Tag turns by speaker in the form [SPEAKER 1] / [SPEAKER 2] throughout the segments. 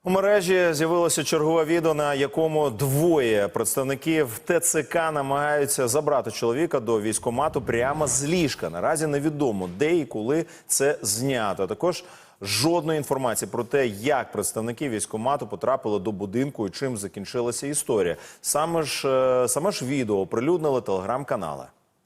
[SPEAKER 1] У мережі з'явилося чергове відео, на якому двоє представників ТЦК намагаються забрати чоловіка до військкомату прямо з ліжка. Наразі невідомо, де і коли це знято. Також жодної інформації про те, як представники військкомату потрапили до будинку і чим закінчилася історія. Саме ж відео оприлюднили телеграм-канали.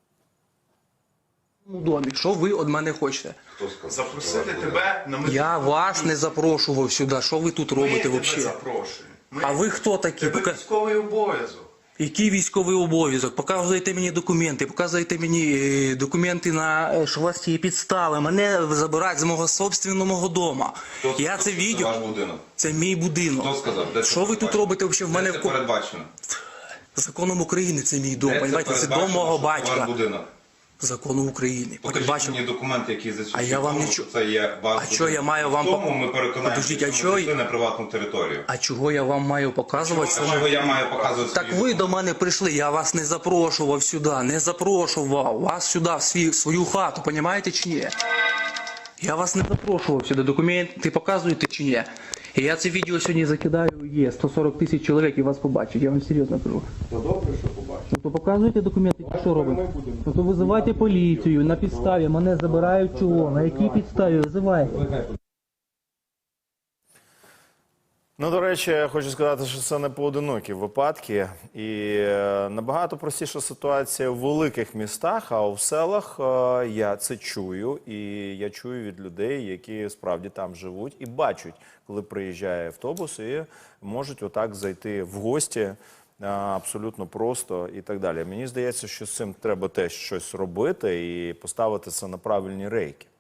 [SPEAKER 2] Домі, що ви від мене хочете?
[SPEAKER 3] Запросити тебе на медичну.
[SPEAKER 2] Я вас не запрошував сюди. Що ви тут робите
[SPEAKER 3] Ми тебе
[SPEAKER 2] взагалі?
[SPEAKER 3] запрошуємо.
[SPEAKER 2] А ви хто такі?
[SPEAKER 3] Тебе військовий обов'язок.
[SPEAKER 2] Який військовий обов'язок? Показуєте мені документи, показуєте мені документи на що у вас є підстави. Мене забирають з мого собственного дому. Я це відео.
[SPEAKER 4] Ваш будинок.
[SPEAKER 2] Це мій будинок.
[SPEAKER 4] Хто сказав? Де
[SPEAKER 2] Що ви тут робите взагалі в мене?
[SPEAKER 4] Де це передбачено?
[SPEAKER 2] Законом України це мій дом.
[SPEAKER 4] Де це
[SPEAKER 2] Понимаєте, це дом
[SPEAKER 4] передбачено,
[SPEAKER 2] мого
[SPEAKER 4] що це
[SPEAKER 2] батька.
[SPEAKER 4] ваш будинок?
[SPEAKER 2] Закону України.
[SPEAKER 4] Покажіть
[SPEAKER 2] Бачимо.
[SPEAKER 4] мені документи, які засвідчують,
[SPEAKER 2] А я вам
[SPEAKER 4] тому,
[SPEAKER 2] нічого-
[SPEAKER 4] що це є ваш
[SPEAKER 2] А що я маю вам
[SPEAKER 4] Тому ми переконаємося,
[SPEAKER 2] Подождіть, а
[SPEAKER 4] що
[SPEAKER 2] чого-
[SPEAKER 4] ви зайшли на приватну територію.
[SPEAKER 2] А чого я вам маю показувати?
[SPEAKER 4] А чого я маю показувати?
[SPEAKER 2] Так
[SPEAKER 4] свої
[SPEAKER 2] ви до
[SPEAKER 4] документи?
[SPEAKER 2] мене прийшли, я вас не запрошував сюди, не запрошував вас сюди, в свою хату, понімаєте чи ні? Я вас не запрошував сюди, документи показуєте чи ні? І я це відео сьогодні закидаю, є 140 тисяч чоловік і вас побачать, я вам серйозно кажу.
[SPEAKER 5] То добре, що побачив.
[SPEAKER 2] Ну то показуйте документи, що робите? Ну то визивайте поліцію, на підставі, мене забирають чого, на якій підставі визивайте?
[SPEAKER 1] Ну, до речі, я хочу сказати, що це не поодинокі випадки. І набагато простіша ситуація в великих містах, а в селах я це чую. І я чую від людей, які справді там живуть і бачать, коли приїжджає автобус і можуть отак зайти в гості абсолютно просто і так далі. Мені здається, що з цим треба теж щось робити і поставити це на правильні рейки.